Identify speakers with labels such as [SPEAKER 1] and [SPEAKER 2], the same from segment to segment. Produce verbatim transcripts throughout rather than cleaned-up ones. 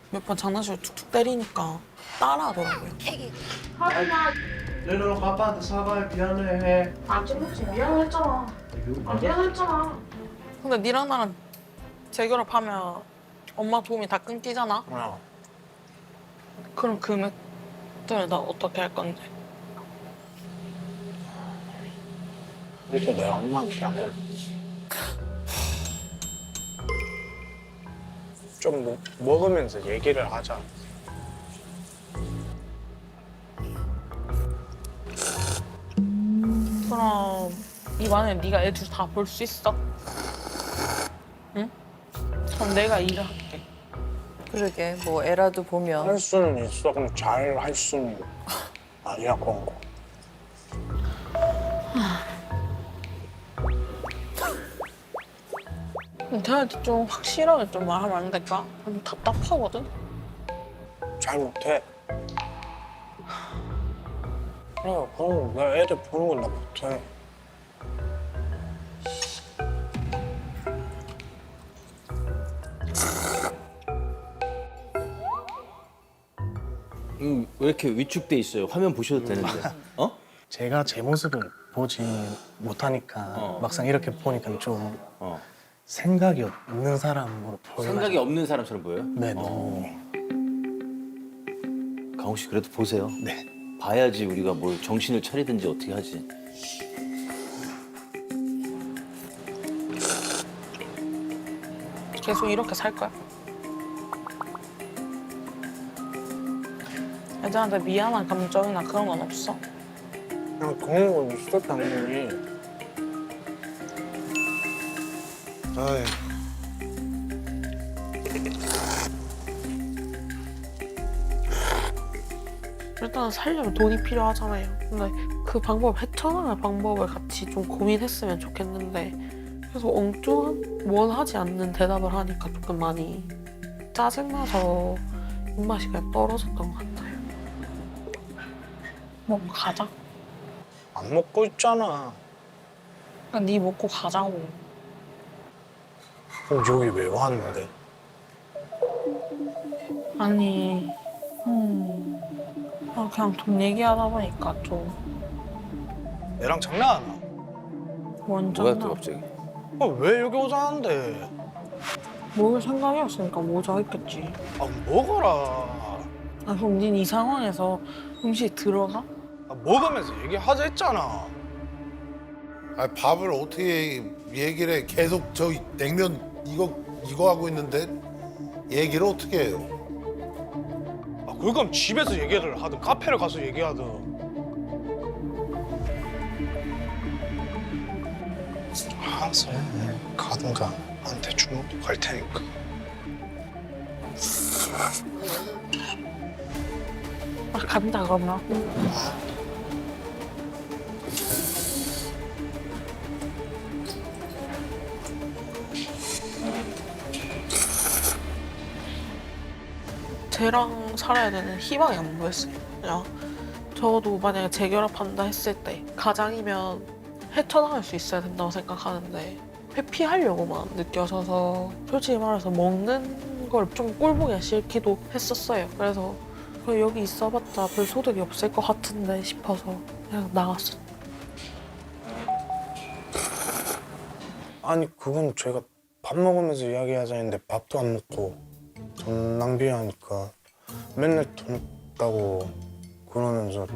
[SPEAKER 1] 몇 번 장난식으로 툭툭 때리니까 따라하더라고요.
[SPEAKER 2] 하지마.
[SPEAKER 3] 내려놓고 아빠한테 사과해 미안해.
[SPEAKER 2] 안 찍었지. 미안했잖아. 아, 미안했잖아.
[SPEAKER 1] 근데 니랑 나랑 재결합하면 엄마 도움이 다 끊기잖아?
[SPEAKER 3] 어.
[SPEAKER 1] 그럼 금액들 나 어떻게 할 건데?
[SPEAKER 3] 그래서 내가 엄마한테 안 해. 좀 뭐, 먹으면서 얘기를 하자.
[SPEAKER 1] 그럼 이번에 네가 애 둘 다 볼 수 있어? 응? 그럼 내가 일을 할게.
[SPEAKER 4] 그러게 뭐 애라도 보면
[SPEAKER 3] 할 수는 있어. 그럼 잘 할 수는 아니야 그런 거.
[SPEAKER 1] 걔한테 좀 확실하게 좀 말하면 안 될까? 좀 답답하거든?
[SPEAKER 3] 잘 못해. 그래, 그럼 내가 애들 보는 건 나 못해.
[SPEAKER 5] 음, 왜 이렇게 위축돼 있어요? 화면 보셔도 되는데. 어?
[SPEAKER 6] 제가 제 모습을 보지 못하니까
[SPEAKER 5] 어.
[SPEAKER 6] 막상 이렇게 보니까 좀
[SPEAKER 5] 어.
[SPEAKER 6] 생각이 없는 사람으로 보여요.
[SPEAKER 5] 생각이 없는 사람처럼 보여요?
[SPEAKER 6] 네, 너무.
[SPEAKER 5] 강욱 씨 그래도 보세요.
[SPEAKER 6] 네.
[SPEAKER 5] 봐야지 우리가 뭘 정신을 차리든지 어떻게 하지.
[SPEAKER 1] 계속 이렇게 살 거야? 애들한테 미안한 감정이나 그런 건 없어?
[SPEAKER 3] 그냥 그런 건 있어 당연히. 아이.
[SPEAKER 1] 일단 살려면 돈이 필요하잖아요. 근데 그 방법, 헤쳐나갈 방법을 같이 좀 고민했으면 좋겠는데 계속 엉뚱한, 원하지 않는 대답을 하니까 조금 많이 짜증나서 입맛이 그냥 떨어졌던 것 같아요. 먹고 가자.
[SPEAKER 3] 안 먹고 있잖아.
[SPEAKER 1] 그냥 네 먹고 가자고.
[SPEAKER 3] 그럼 여기 왜 왔는데?
[SPEAKER 1] 아니, 음, 아, 그냥 돈 얘기하다 보니까 좀
[SPEAKER 3] 애랑 장난하나?
[SPEAKER 1] 완전
[SPEAKER 5] 뭐야 또 갑자기?
[SPEAKER 3] 아, 왜 여기 오자는데?
[SPEAKER 1] 먹을 생각이었으니까 모자 했겠지.
[SPEAKER 3] 아 먹어라.
[SPEAKER 1] 아, 그럼 닌 이 상황에서 음식 들어가?
[SPEAKER 3] 아, 먹으면서 얘기하자 했잖아.
[SPEAKER 7] 아 밥을 어떻게 얘기를 해? 계속 저 냉면 이거 이거 하고 있는데 얘기를 어떻게 해요?
[SPEAKER 3] 아 그럼 집에서 얘기를 하든 카페를 가서 얘기하든. 알았어. 가든가. 한 대충 먹고 갈 테니까.
[SPEAKER 1] 아, 간다 그러면. 쟤랑 살아야 되는 희망이 안 보였어요. 그냥 저도 만약에 재결합한다 했을 때 가장이면 헤쳐나갈 수 있어야 된다고 생각하는데 회피하려고만 느껴져서 솔직히 말해서 먹는 걸 좀 꼴보기 싫기도 했었어요. 그래서 그냥 여기 있어봤자 별 소득이 없을 것 같은데 싶어서 그냥 나갔어.
[SPEAKER 3] 아니 그건 제가 밥 먹으면서 이야기하자 했는데 밥도 안 먹고 돈 낭비하니까 맨날 돈 없다고 그러면서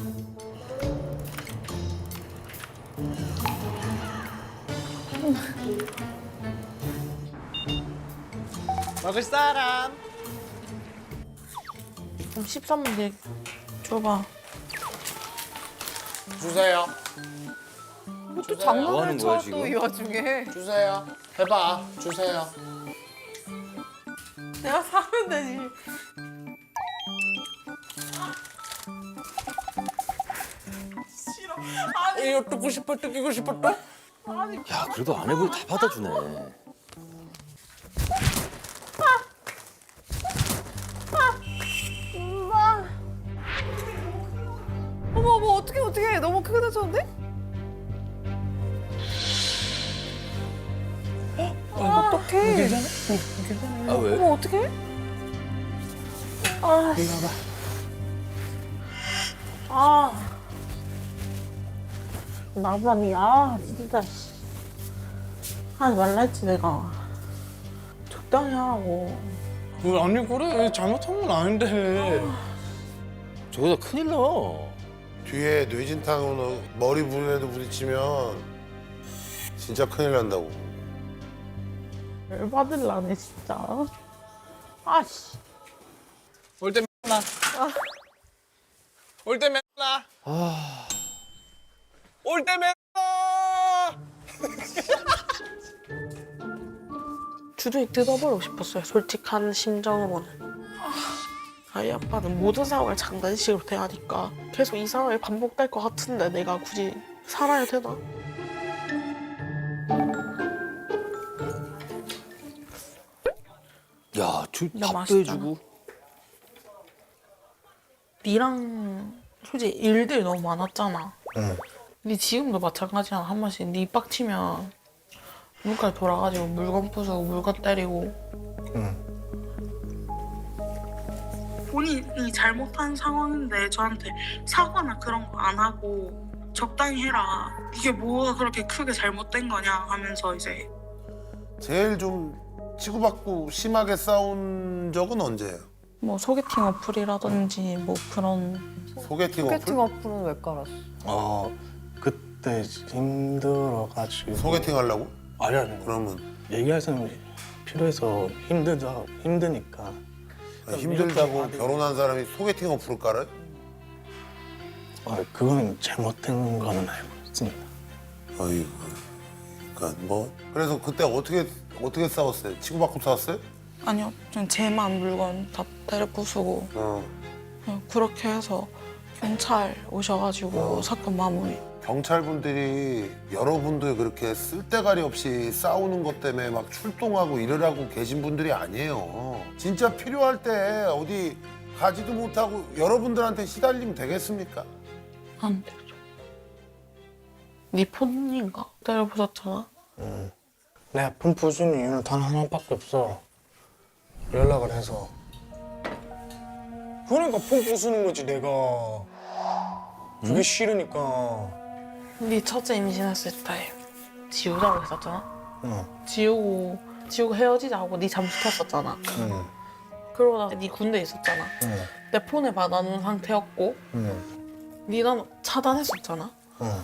[SPEAKER 3] 먹을 사람?
[SPEAKER 1] 그럼 십삼 분 뒤에 줘봐.
[SPEAKER 7] 주세요.
[SPEAKER 4] 또
[SPEAKER 5] 뭐
[SPEAKER 4] 장난을
[SPEAKER 5] 하는 거야,
[SPEAKER 4] 쳐 또 이
[SPEAKER 5] 지금?
[SPEAKER 4] 와중에.
[SPEAKER 7] 주세요. 해봐. 주세요.
[SPEAKER 1] 내가 사면 되지.
[SPEAKER 3] 이거 뜯고 싶어 뜯기고 싶어 또?
[SPEAKER 5] 야 그래도 아내분이 다 받아주네.
[SPEAKER 4] 어머 어머 어떻게 어떻게 너무 크게 다쳤는데? 어떡해.
[SPEAKER 5] 아 왜?
[SPEAKER 4] 어머 어떡해?
[SPEAKER 1] 아,
[SPEAKER 3] 이리 와봐.
[SPEAKER 1] 아. 나만이, 아, 진짜. 씨. 하지 말라 했지, 내가. 적당히 하라고.
[SPEAKER 3] 왜 아니 그래 잘못한 건 아닌데.
[SPEAKER 5] 저러다 큰일 나.
[SPEAKER 7] 뒤에 뇌진탕으로 머리 부분에도 부딪히면 진짜 큰일 난다고.
[SPEAKER 1] 열받을라네, 진짜. 아씨.
[SPEAKER 3] 올 때 맨날. 올 때 맨날.
[SPEAKER 5] 아,
[SPEAKER 3] 올 때 맨날.
[SPEAKER 1] 주둥이 뜯어버리고 싶었어요, 솔직한 심정으로는. 아이 아빠는 모든 상황을 장난식으로 대하니까 계속 이 상황이 반복될 것 같은데 내가 굳이 살아야 되나?
[SPEAKER 5] 야, 주,
[SPEAKER 1] 야,
[SPEAKER 5] 밥도
[SPEAKER 1] 맛있다.
[SPEAKER 5] 해주고.
[SPEAKER 1] 니랑 솔직히 일들이 너무 많았잖아.
[SPEAKER 3] 응.
[SPEAKER 1] 니 지금도 마찬가지야. 한 번씩 니 빡치면 눈깔 돌아가지고 물건 부수고 물건 때리고.
[SPEAKER 3] 응.
[SPEAKER 1] 본인이 잘못한 상황인데 저한테 사과나 그런 거 안 하고 적당히 해라. 이게 뭐가 그렇게 크게 잘못된 거냐 하면서 이제
[SPEAKER 7] 제일 좀 치고받고 심하게 싸운 적은 언제예요?
[SPEAKER 1] 뭐 소개팅 어플이라든지 뭐 그런
[SPEAKER 7] 소개팅,
[SPEAKER 4] 소개팅
[SPEAKER 7] 어플?
[SPEAKER 4] 어플은 왜 깔았어?
[SPEAKER 3] 어 그때 힘들어가지고.
[SPEAKER 7] 소개팅 하려고?
[SPEAKER 3] 아니 아니.
[SPEAKER 7] 그러면
[SPEAKER 3] 얘기할 사람이 필요해서 힘들다 힘드니까.
[SPEAKER 7] 아니, 힘들다고 결혼한 사람이 소개팅 어플을 깔아요?
[SPEAKER 3] 아 그건 잘못된 거는 알고 있습니다.
[SPEAKER 7] 어이구. 그러니까 뭐 그래서 그때 어떻게 어떻게 싸웠어요? 치고받고 싸웠어요?
[SPEAKER 1] 아니요 좀 제만 물건 다 때려 부수고
[SPEAKER 7] 어.
[SPEAKER 1] 그냥 그렇게 해서 경찰 오셔가지고 사건 마무리.
[SPEAKER 7] 경찰분들이 여러분들 그렇게 쓸데가리 없이 싸우는 것 때문에 막 출동하고 이러라고 계신 분들이 아니에요. 진짜 필요할 때 어디 가지도 못하고 여러분들한테 시달리면 되겠습니까?
[SPEAKER 1] 안 되죠. 네 폰인가 때려 부쉈잖아.
[SPEAKER 3] 응. 내가 폰 부수는 이유는 단 하나밖에 없어. 연락을 해서. 그러니까 폰 부수는 거지 내가. 그게 싫으니까.
[SPEAKER 1] 네 첫째 임신했을 때 지우자고 했었잖아.
[SPEAKER 3] 응.
[SPEAKER 1] 지우고 지우고 헤어지자고 네 잠수 탔었잖아.
[SPEAKER 3] 응.
[SPEAKER 1] 그러고 나서 네 군대 있었잖아.
[SPEAKER 3] 응.
[SPEAKER 1] 내 폰을 받아놓은 상태였고
[SPEAKER 3] 응.
[SPEAKER 1] 네 난 차단했었잖아.
[SPEAKER 3] 응.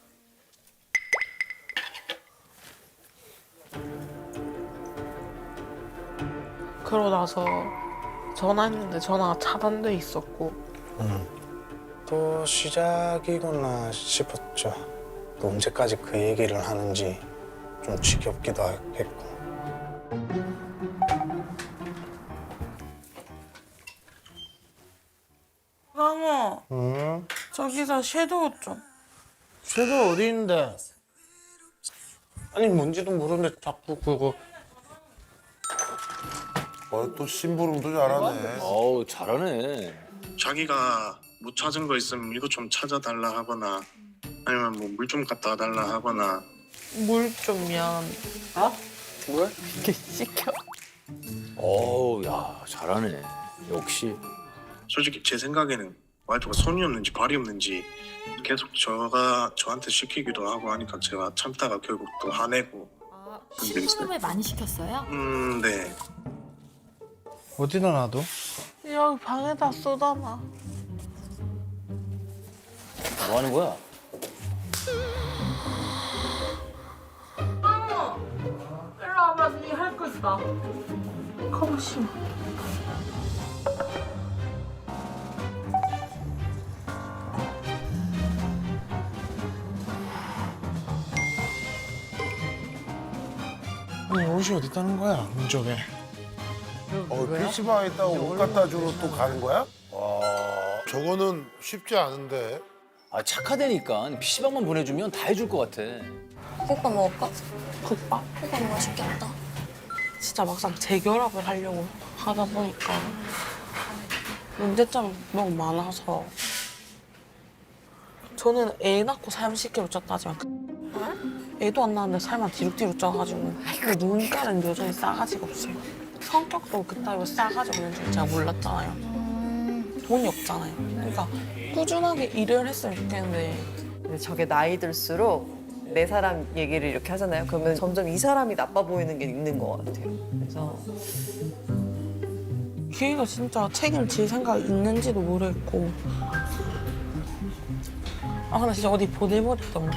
[SPEAKER 1] 그러고 나서 전화했는데 전화가 차단돼 있었고
[SPEAKER 3] 응. 또 시작이구나 싶었죠. 또 언제까지 그 얘기를 하는지 좀 지겹기도 했고.
[SPEAKER 1] 강호
[SPEAKER 3] 응?
[SPEAKER 1] 저기서 섀도우 좀.
[SPEAKER 3] 쟤도 어디 있는데? 아니 뭔지도 모르는데 자꾸 그거.
[SPEAKER 7] 어, 또 심부름도 잘하네.
[SPEAKER 5] 어우, 잘하네.
[SPEAKER 8] 자기가 못 찾은 거 있으면 이거 좀 찾아달라 하거나 아니면 뭐 물 좀 갖다 달라 하거나
[SPEAKER 1] 물 좀 미안.
[SPEAKER 3] 어? 뭘?
[SPEAKER 1] 이렇게 시켜.
[SPEAKER 5] 어우, 야, 잘하네. 역시.
[SPEAKER 8] 솔직히 제 생각에는 와이프가 손이 없는지 발이 없는지 계속 저가 저한테 시키기도 하고 하니까 제가 참다가 결국 또 화내고
[SPEAKER 9] 아, 심부름을 많이 시켰어요?
[SPEAKER 8] 음, 네.
[SPEAKER 3] 어디다 놔둬?
[SPEAKER 1] 여기 방에다 쏟아놔.
[SPEAKER 5] 뭐 하는 거야?
[SPEAKER 1] 일로 와봐, 니 할 거 있다. 가만 씨.
[SPEAKER 3] 아니 옷이 어디 있다는 거야 문적에.
[SPEAKER 7] 어, 피시방에 있다가 옷 갖다 주러 또 가는 거야? 와, 저거는 쉽지 않은데.
[SPEAKER 5] 아, 착하다니까. 피시방만 보내주면 다 해줄 것 같아.
[SPEAKER 9] 국밥 먹을까?
[SPEAKER 1] 국밥?
[SPEAKER 9] 국밥 맛있겠다.
[SPEAKER 1] 진짜 막상 재결합을 하려고 하다 보니까 문제점이 너무 많아서 저는 애 낳고 살 십 킬로그램 쪘다지만 애도 안 낳았는데 살만 뒤룩뒤룩 쪄가지고 눈가는 여전히 싸가지가 없어요. 성격도 그따위로 싸가지 없는 줄 제가 몰랐잖아요. 돈이 없잖아요. 그러니까 꾸준하게 일을 했으면 좋겠는데
[SPEAKER 4] 근데 저게 나이 들수록 내 사람 얘기를 이렇게 하잖아요. 그러면 점점 이 사람이 나빠 보이는 게 있는 것 같아요. 그래서
[SPEAKER 1] 걔가 진짜 책임질 생각이 있는지도 모르겠고 아 근데 진짜 어디 보내버리던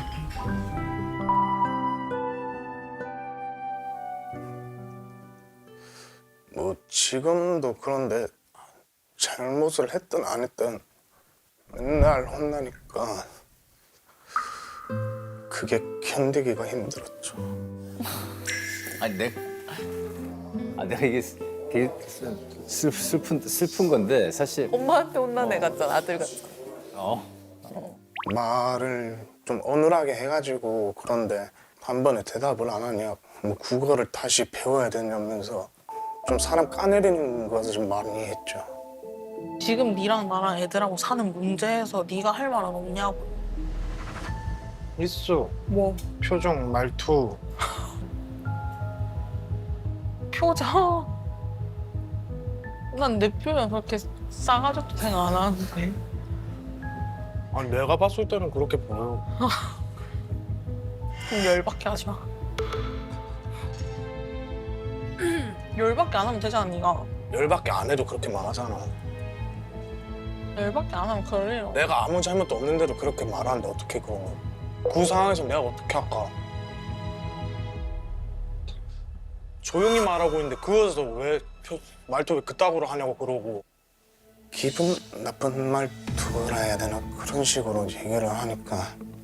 [SPEAKER 3] 뭐 지금도 그런데 잘못을 했든 안 했든 맨날 혼나니까 그게 견디기가 힘들었죠.
[SPEAKER 5] 아니 내, 아 내가 이게 되게 슬, 슬픈 슬픈 건데 사실
[SPEAKER 4] 엄마한테 혼난 애 같잖아. 아들 같잖아.
[SPEAKER 5] 어
[SPEAKER 3] 말을 좀 어눌하게 해가지고 그런데 한 번에 대답을 안 하냐, 뭐 국어를 다시 배워야 되냐면서 좀 사람 까내리는 것을 좀 많이 했죠.
[SPEAKER 1] 지금 니랑 나랑 애들하고 사는 문제에서 네가 할 말은 없냐고.
[SPEAKER 3] 있어.
[SPEAKER 1] 뭐
[SPEAKER 3] 표정, 말투.
[SPEAKER 1] 표정. 난 내 표정 그렇게 싸가지도 생각 안 하는데.
[SPEAKER 3] 아니 내가 봤을 때는 그렇게 보여.
[SPEAKER 1] 그럼 열받게 하지 마. 열받게 안 하면 되잖아, 니가.
[SPEAKER 3] 열받게 안 해도 그렇게 말하잖아.
[SPEAKER 1] 열받게 안 하면 그럴 일 없어.
[SPEAKER 3] 내가 아무 잘못도 없는데도 그렇게 말하는데 어떻게 그런 거? 그 상황에서 내가 어떻게 할까? 조용히 말하고 있는데 그거에서 왜 표, 말투 왜 그따구로 하냐고 그러고 기분 나쁜 말투라 해야 되나 그런 식으로 얘기를 하니까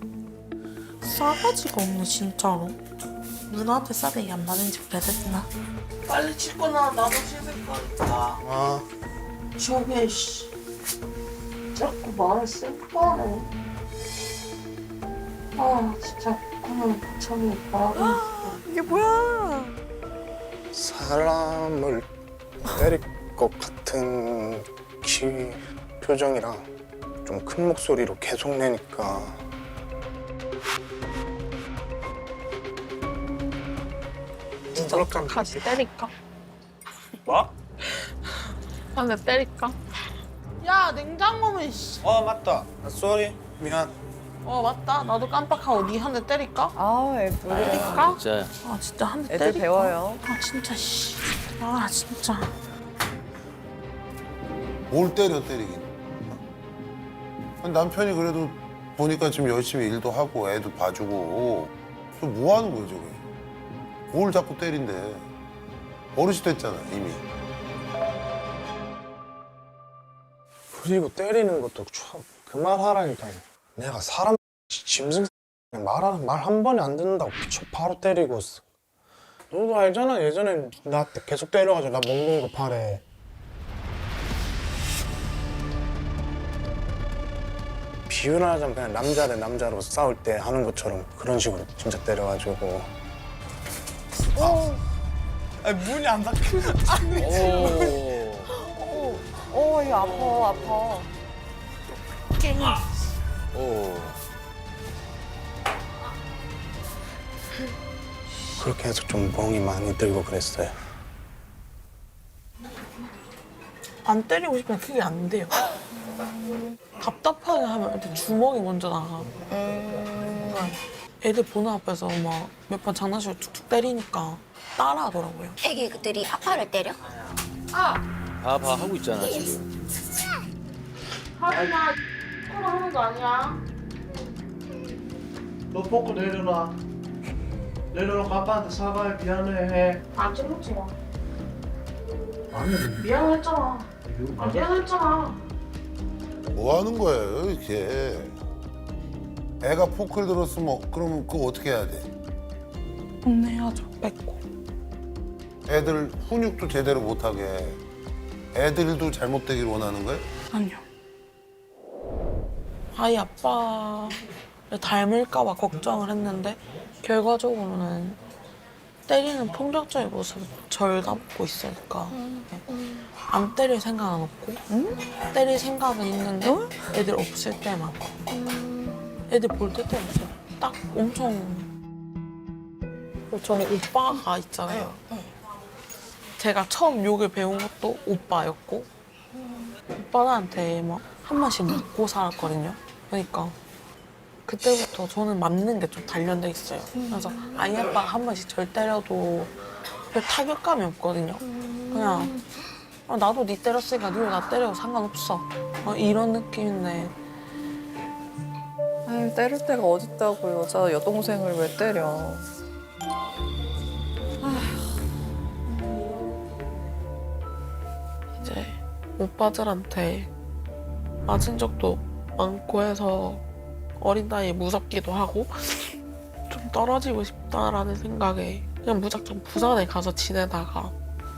[SPEAKER 1] 싸가지가 없네, 진짜로. 누나한테 싸대기 안 맞은지 그래야 되나? 빨리 씻고 나, 나도 씻을 거니까.
[SPEAKER 3] 아
[SPEAKER 1] 저게, 씨. 자꾸 말을 쌩까네. 아, 진짜. 그냥 저기 말하고 있어.
[SPEAKER 4] 이게 뭐야?
[SPEAKER 3] 사람을 때릴 것 같은 키 표정이랑 좀 큰 목소리로 계속 내니까
[SPEAKER 1] 진짜 어떡하지? 때릴까?
[SPEAKER 3] 뭐?
[SPEAKER 1] 한 대 때릴까? 야, 냉장고는 씨.
[SPEAKER 3] 어 맞다. 쏘리 미안.
[SPEAKER 1] 어, 맞다. 나도 깜빡하고 니 한 대 때릴까?
[SPEAKER 4] 아, 애들,
[SPEAKER 1] 때릴까?
[SPEAKER 5] 진짜
[SPEAKER 1] 아, 진짜 한 대
[SPEAKER 4] 애들
[SPEAKER 1] 때릴까?
[SPEAKER 4] 배워요.
[SPEAKER 1] 아, 진짜 씨. 아, 진짜.
[SPEAKER 7] 뭘 때려 때리긴. 아니, 남편이 그래도 보니까 지금 열심히 일도 하고 애도 봐주고 또 뭐 하는 거야 저게? 뭘 자꾸 때린대? 어르신 됐잖아 이미.
[SPEAKER 3] 그리고 때리는 것도 참 그만 하라니까. 내가 사람 짐승 말한 말 한 번에 안 듣는다고 피쳐 바로 때리고 있어. 너도 알잖아. 예전에 나한테 계속 때려가지고 나 먹는 거 팔에. 비유를 하자면 그냥 남자 대 남자로 싸울 때 하는 것처럼 그런 식으로 진짜 때려가지고. 아. 아니 문이 안 닫혀.
[SPEAKER 5] 오.
[SPEAKER 4] 어, 이거 아파, 아파.
[SPEAKER 5] 오.
[SPEAKER 3] 그렇게 해서 좀 멍이 많이 들고 그랬어요.
[SPEAKER 1] 안 때리고 싶으면 그게 안 돼요. 답답하게 하면 일단 주먹이 먼저 나가. 그러니까 애들 보는 앞에서 막 몇 번 장난식으로 툭툭 때리니까 따라하더라고요.
[SPEAKER 9] 애기들이 아빠를 때려?
[SPEAKER 5] 봐봐 하고 있잖아 지금.
[SPEAKER 1] 하지 마. 그거 하는 거 아니야.
[SPEAKER 6] 너 벗고 내려놔. 내려놓고 아빠한테 사과해. 미안해 해.
[SPEAKER 2] 안 찍먹지 마.
[SPEAKER 6] 아니
[SPEAKER 2] 미안했잖아. 아, 미안했잖아.
[SPEAKER 7] 뭐 하는 거예요 이게? 애가 포크를 들었으면 그러면 그거 어떻게 해야 돼?
[SPEAKER 1] 혼내야죠. 뺏고.
[SPEAKER 7] 애들 훈육도 제대로 못하게 애들도 잘못되길 원하는 거예요?
[SPEAKER 1] 아니요. 아이 아빠를 닮을까 봐 걱정을 했는데 결과적으로는 때리는 폭력적인 모습을 절 담고 있으니까 안 때릴 생각은 없고 때릴 생각은 있는데 애들 없을 때만 애들 볼 때 때렸어요. 딱 엄청 그리고 저는 오빠가 있잖아요. 제가 처음 욕을 배운 것도 오빠였고 오빠한테 막 한 번씩 맞고 살았거든요. 그러니까 그때부터 저는 맞는 게 좀 단련돼 있어요. 그래서 아이 아빠가 한 번씩 절 때려도 별 타격감이 없거든요. 그냥 아, 나도 니 때렸으니까 니도 나 때려도 상관없어. 어, 이런 느낌인데
[SPEAKER 4] 아유, 때릴 데가 어딨다고 여자 여동생을 왜 때려.
[SPEAKER 1] 이제 오빠들한테 맞은 적도 많고 해서 어린 나이에 무섭기도 하고 좀 떨어지고 싶다라는 생각에 그냥 무작정 부산에 가서 지내다가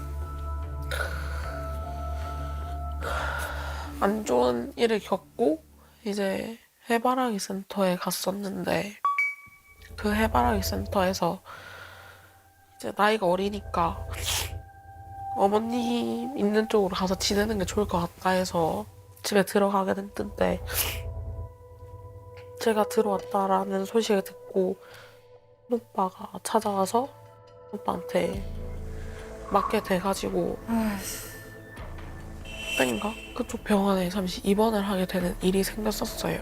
[SPEAKER 1] 안 좋은 일을 겪고 이제 해바라기 센터에 갔었는데 그 해바라기 센터에서 이제 나이가 어리니까 어머님 있는 쪽으로 가서 지내는 게 좋을 것 같다 해서 집에 들어가게 됐는데 제가 들어왔다라는 소식을 듣고 오빠가 찾아와서 오빠한테 맞게 돼가지고 그때인가 그쪽 병원에 잠시 입원을 하게 되는 일이 생겼었어요.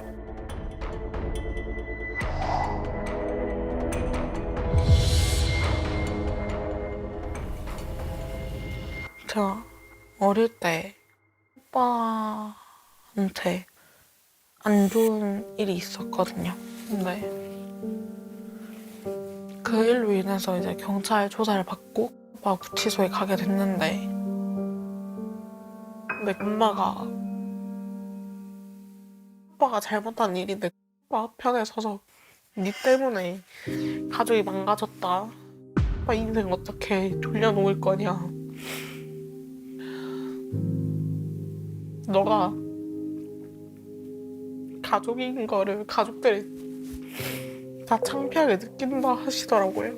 [SPEAKER 1] 제가 어릴 때 오빠한테 안 좋은 일이 있었거든요. 근데 그 일로 인해서 이제 경찰 조사를 받고 오빠 구치소에 가게 됐는데 근데 엄마가 오빠가 잘못한 일인데 오빠 편에 서서 니 때문에 가족이 망가졌다. 오빠 인생 어떻게 돌려놓을 거냐. 너가 가족인 거를 가족들이 다 창피하게 느낀다 하시더라고요.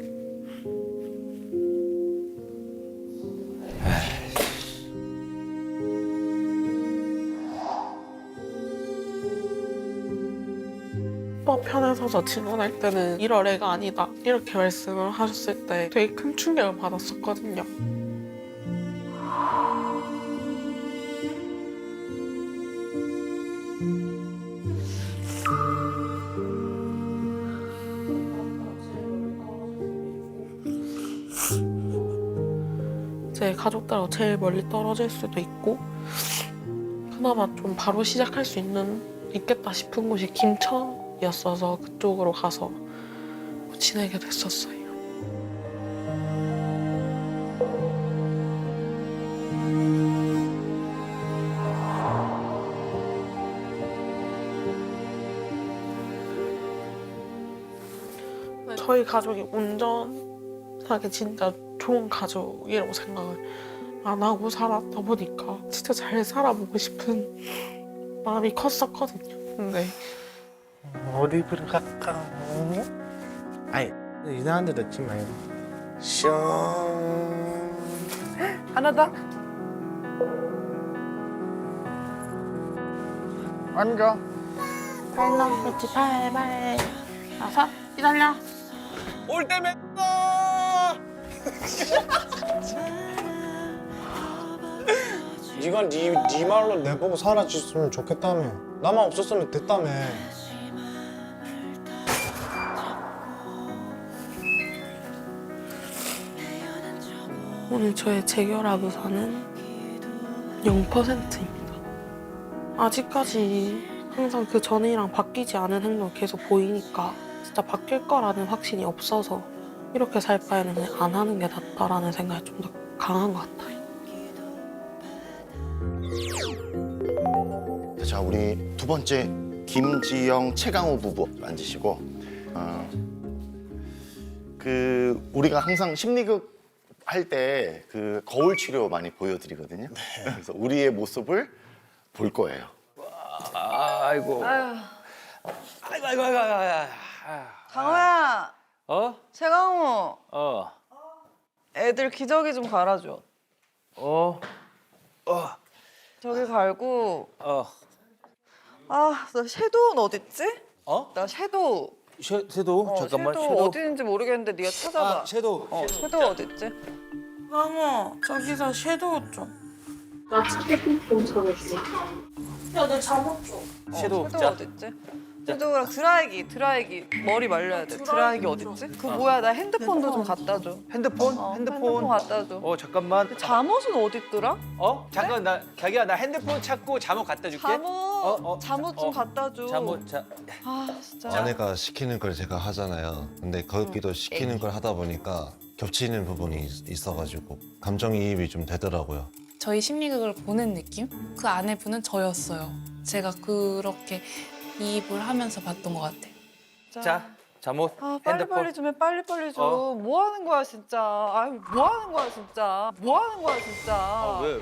[SPEAKER 1] 오빠 편에 서서 증언할 때는 이럴 애가 아니다 이렇게 말씀을 하셨을 때 되게 큰 충격을 받았었거든요. 제 가족들하고 제일 멀리 떨어질 수도 있고 그나마 좀 바로 시작할 수 있는 있겠다 싶은 곳이 김천이었어서 그쪽으로 가서 지내게 됐었어요. 저희 가족이 온전하게 진짜 좋은 가족이라고 생각을 안 하고 살았다 보니까 진짜 잘 살아보고 싶은 마음이 컸었거든요. 근데
[SPEAKER 3] 어디 들어갈까? 아이 이상한 데 넣지 말고 슝
[SPEAKER 4] 하나 더?
[SPEAKER 3] 앉아.
[SPEAKER 1] 팔랑그치 팔발 다섯 기다려.
[SPEAKER 3] 올 때 맺어. 네가 네, 네 말로 내보고 사라졌으면 좋겠다며. 나만 없었으면 됐다며.
[SPEAKER 1] 오늘 저의 재결합 의사는 영 퍼센트입니다. 아직까지 항상 그 전이랑 바뀌지 않은 행동 계속 보이니까 진짜 바뀔 거라는 확신이 없어서 이렇게 살 바에는 그냥 안 하는 게 낫다라는 생각이 좀 더 강한 것 같아요.
[SPEAKER 10] 자, 우리 두 번째 김지영 최강호 부부 앉으시고 어, 그 우리가 항상 심리극 할 때 그 거울 치료 많이 보여드리거든요. 네. 그래서 우리의 모습을 볼 거예요.
[SPEAKER 5] 아이고.
[SPEAKER 4] 아유,
[SPEAKER 5] 아이고 아이고 아이고 아이고.
[SPEAKER 4] 강호야,
[SPEAKER 5] 어?
[SPEAKER 4] 최강호,
[SPEAKER 5] 어.
[SPEAKER 4] 애들 기저귀 좀 갈아줘.
[SPEAKER 5] 어. 어.
[SPEAKER 4] 저기 갈고.
[SPEAKER 5] 어.
[SPEAKER 4] 아, 나 섀도우는 어딨지?
[SPEAKER 5] 어?
[SPEAKER 4] 나 섀도우.
[SPEAKER 5] 섀, 섀도우?
[SPEAKER 4] 어,
[SPEAKER 5] 잠깐만.
[SPEAKER 4] 섀도우 어디 있는지 모르겠는데 네가 찾아봐.
[SPEAKER 5] 아, 섀도우.
[SPEAKER 4] 어, 섀도우 어딨지?
[SPEAKER 1] 강호, 저기서 섀도우 좀.
[SPEAKER 2] 나 치킨 좀 사줬어. 야, 내 잠옷 좀.
[SPEAKER 5] 섀도우
[SPEAKER 4] 섀도우 어딨지? 섀도우랑 드라이기, 드라이기 머리 말려야 돼. 드라이기 어딨지? 그 뭐야, 나 핸드폰도 좀 갖다 줘.
[SPEAKER 5] 핸드폰?
[SPEAKER 4] 어,
[SPEAKER 5] 핸드폰.
[SPEAKER 4] 핸드폰 갖다 줘.
[SPEAKER 5] 어 잠깐만.
[SPEAKER 4] 잠옷은 어딨더라?
[SPEAKER 5] 어? 잠깐 나 자기야 나 핸드폰 찾고 잠옷 갖다 줄게.
[SPEAKER 4] 잠옷,
[SPEAKER 5] 어?
[SPEAKER 4] 잠옷 좀
[SPEAKER 5] 어.
[SPEAKER 4] 갖다 줘.
[SPEAKER 5] 잠옷 자.
[SPEAKER 4] 아 진짜.
[SPEAKER 11] 아내가 시키는 걸 제가 하잖아요. 근데 거기도 시키는 걸 하다 보니까 겹치는 부분이 있- 있어가지고 감정이입이 좀 되더라고요.
[SPEAKER 12] 저희 심리극을 보는 느낌? 그 아내분은 저였어요. 제가 그렇게 이입을 하면서 봤던 것 같아요.
[SPEAKER 5] 자 잠옷.
[SPEAKER 4] 아
[SPEAKER 5] 핸드폰.
[SPEAKER 4] 빨리빨리 좀 해, 빨리빨리 좀.
[SPEAKER 5] 어.
[SPEAKER 4] 뭐 하는 거야 진짜. 아유 뭐 하는 거야 진짜. 뭐 하는 거야 진짜.
[SPEAKER 5] 아, 왜?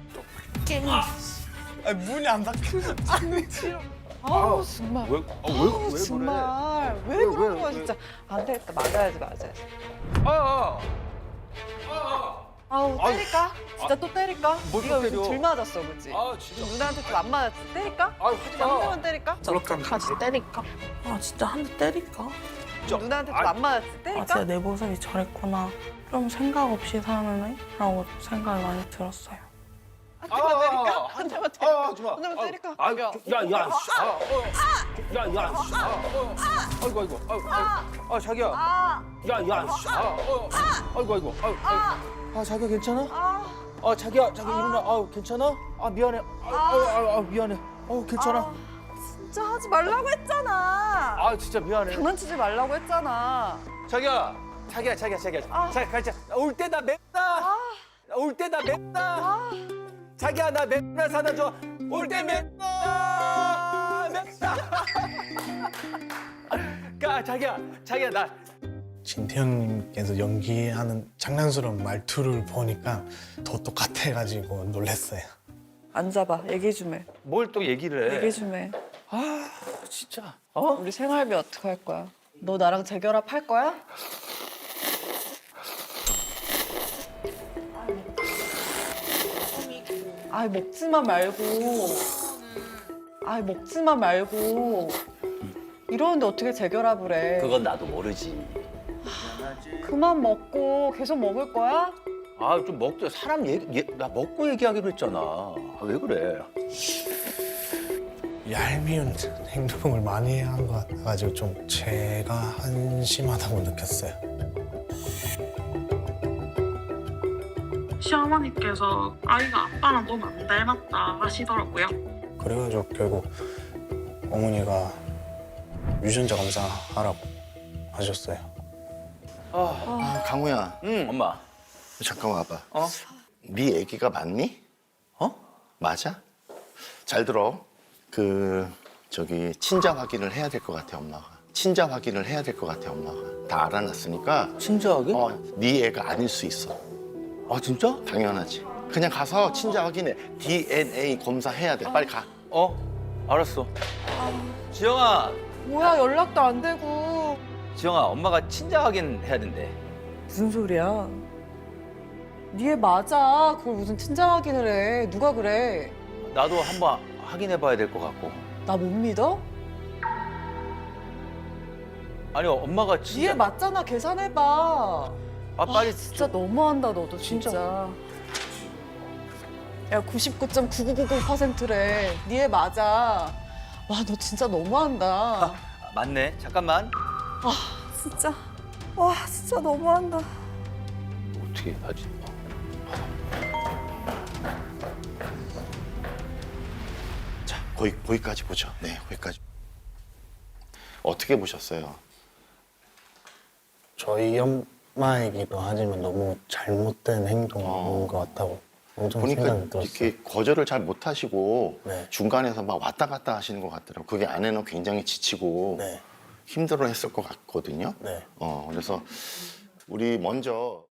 [SPEAKER 3] 아니 문이 안 닫혀.
[SPEAKER 4] 아우 정말.
[SPEAKER 5] 왜? 아, 왜?
[SPEAKER 4] 아우,
[SPEAKER 5] 왜 그래?
[SPEAKER 4] 정말 왜,
[SPEAKER 5] 왜,
[SPEAKER 4] 그러는
[SPEAKER 5] 왜,
[SPEAKER 4] 거야
[SPEAKER 5] 왜?
[SPEAKER 4] 진짜. 안 되겠다, 맞아야지 맞아야지.
[SPEAKER 5] 아, 아. 아,
[SPEAKER 4] 아우
[SPEAKER 5] 아유.
[SPEAKER 4] 때릴까? 진짜 또 때릴까?
[SPEAKER 5] 뭘
[SPEAKER 4] 네가
[SPEAKER 5] 또
[SPEAKER 4] 요즘
[SPEAKER 5] 때려?
[SPEAKER 4] 들 맞았어 그치?
[SPEAKER 5] 아 진짜.
[SPEAKER 4] 누나한테 좀 안 맞았지? 때릴까?
[SPEAKER 5] 아 하지
[SPEAKER 4] 한
[SPEAKER 5] 마.
[SPEAKER 4] 대만 때릴까?
[SPEAKER 1] 같이 때릴까? 아, 진짜 한 대 때릴까?
[SPEAKER 5] 저-
[SPEAKER 4] 누나한테 좀
[SPEAKER 5] 아,
[SPEAKER 4] 안 맞았지?
[SPEAKER 1] 아,
[SPEAKER 4] 때릴까?
[SPEAKER 1] 진짜 내 모습이 저랬구나. 좀 생각 없이 사는 애? 라고 생각이 많이 들었어요.
[SPEAKER 4] 한 대만 때릴까? 한 대만 때릴까?
[SPEAKER 5] 아, 하지 마.
[SPEAKER 4] 한 대만 때릴까?
[SPEAKER 5] 아,
[SPEAKER 4] 야.
[SPEAKER 5] 야, 야, 씨. 아, 어. 야, 야, 씨. 아, 어. 아이고, 아이고. 아이고, 아이고. 아, 자기야. 야, 야, 씨. 아, 어. 아이고, 아이고. 아이고, 아이고. 아, 자기야 괜찮아? 아, 자기야, 자기 일어나. 아, 괜찮아? 아, 미안해. 아, 아, 아, 아 미안해. 어, 괜찮아.
[SPEAKER 4] 진짜 하지 말라고 했잖아.
[SPEAKER 5] 아, 진짜 미안해.
[SPEAKER 4] 장난치지 말라고 했잖아.
[SPEAKER 5] 자기야. 자기야, 자기야, 자기야.
[SPEAKER 4] 아.
[SPEAKER 5] 자기 가자. 올 때 나 맵다. 올 때 나 맵다. 자기야, 나 맵다 사다 줘. 올 때 맵다. 맵다. 가, 자기야. 자기야, 나
[SPEAKER 3] 진태현님께서 연기하는 장난스러운 말투를 보니까 더 똑같아가지고 놀랐어요.
[SPEAKER 4] 앉아봐. 얘기 좀 해.
[SPEAKER 5] 뭘 또 얘기를 해?
[SPEAKER 4] 얘기 좀 해.
[SPEAKER 5] 아, 진짜. 어?
[SPEAKER 4] 우리 생활비 어떻게 할 거야? 너 나랑 재결합 할 거야? 아이 먹지마 말고. 아이 먹지마 말고. 이러는데 어떻게 재결합을 해?
[SPEAKER 5] 그건 나도 모르지.
[SPEAKER 4] 그만 먹고 계속 먹을 거야?
[SPEAKER 5] 아, 좀 먹자. 사람 얘기, 얘, 나 먹고 얘기하기로 했잖아. 아, 왜 그래?
[SPEAKER 3] 얄미운 행동을 많이 한 것 같아가지고 좀 제가 한심하다고 느꼈어요.
[SPEAKER 2] 시어머니께서 아이가 아빠랑 너무 안 닮았다 하시더라고요.
[SPEAKER 3] 그래가지고 결국 어머니가 유전자 검사하라고 하셨어요.
[SPEAKER 10] 아, 강우야,
[SPEAKER 5] 응, 엄마.
[SPEAKER 10] 잠깐 와봐.
[SPEAKER 5] 어?
[SPEAKER 10] 네 애기가 맞니?
[SPEAKER 5] 어?
[SPEAKER 10] 맞아? 잘 들어. 그 저기 친자 확인을 해야 될 것 같아 엄마가. 친자 확인을 해야 될 것 같아 엄마가. 다 알아놨으니까.
[SPEAKER 5] 친절하게?
[SPEAKER 10] 어, 네 애가 아닐 수 있어.
[SPEAKER 5] 아, 진짜?
[SPEAKER 10] 당연하지. 그냥 가서 친자 확인해. 디엔에이 검사해야 돼. 빨리 가.
[SPEAKER 5] 어? 알았어. 지영아,
[SPEAKER 4] 뭐야 연락도 안 되고.
[SPEAKER 5] 지영아, 엄마가 친자 확인 해야 된대.
[SPEAKER 4] 무슨 소리야? 니애 맞아. 그걸 무슨 친자 확인을 해. 누가 그래?
[SPEAKER 5] 나도 한번 확인해 봐야 될 것 같고.
[SPEAKER 4] 나 못 믿어?
[SPEAKER 5] 아니, 엄마가
[SPEAKER 4] 니애
[SPEAKER 5] 진짜.
[SPEAKER 4] 맞잖아. 계산해봐.
[SPEAKER 5] 아, 빨리.
[SPEAKER 4] 아, 진짜 너무한다 너도 진짜. 야 구십구 점 구구구공 퍼센트래. 니애 맞아. 와 너 진짜 너무한다.
[SPEAKER 5] 아, 맞네. 잠깐만.
[SPEAKER 4] 진짜. 와 진짜 너무한다.
[SPEAKER 5] 어떻게 하지?
[SPEAKER 10] 자, 거기 거기까지 보죠. 네, 거기까지. 어떻게 보셨어요?
[SPEAKER 3] 저희 엄마이기도 하지만 너무 잘못된 행동인
[SPEAKER 10] 어.
[SPEAKER 3] 것 같다고 엄청
[SPEAKER 10] 보니까
[SPEAKER 3] 생각이 들었어요.
[SPEAKER 10] 이렇게 거절을 잘 못하시고
[SPEAKER 3] 네.
[SPEAKER 10] 중간에서 막 왔다 갔다 하시는 것 같더라고요. 그게 아내는 굉장히 지치고
[SPEAKER 3] 네,
[SPEAKER 10] 힘들어했을 것 같거든요.
[SPEAKER 3] 네.
[SPEAKER 10] 어, 그래서 우리 먼저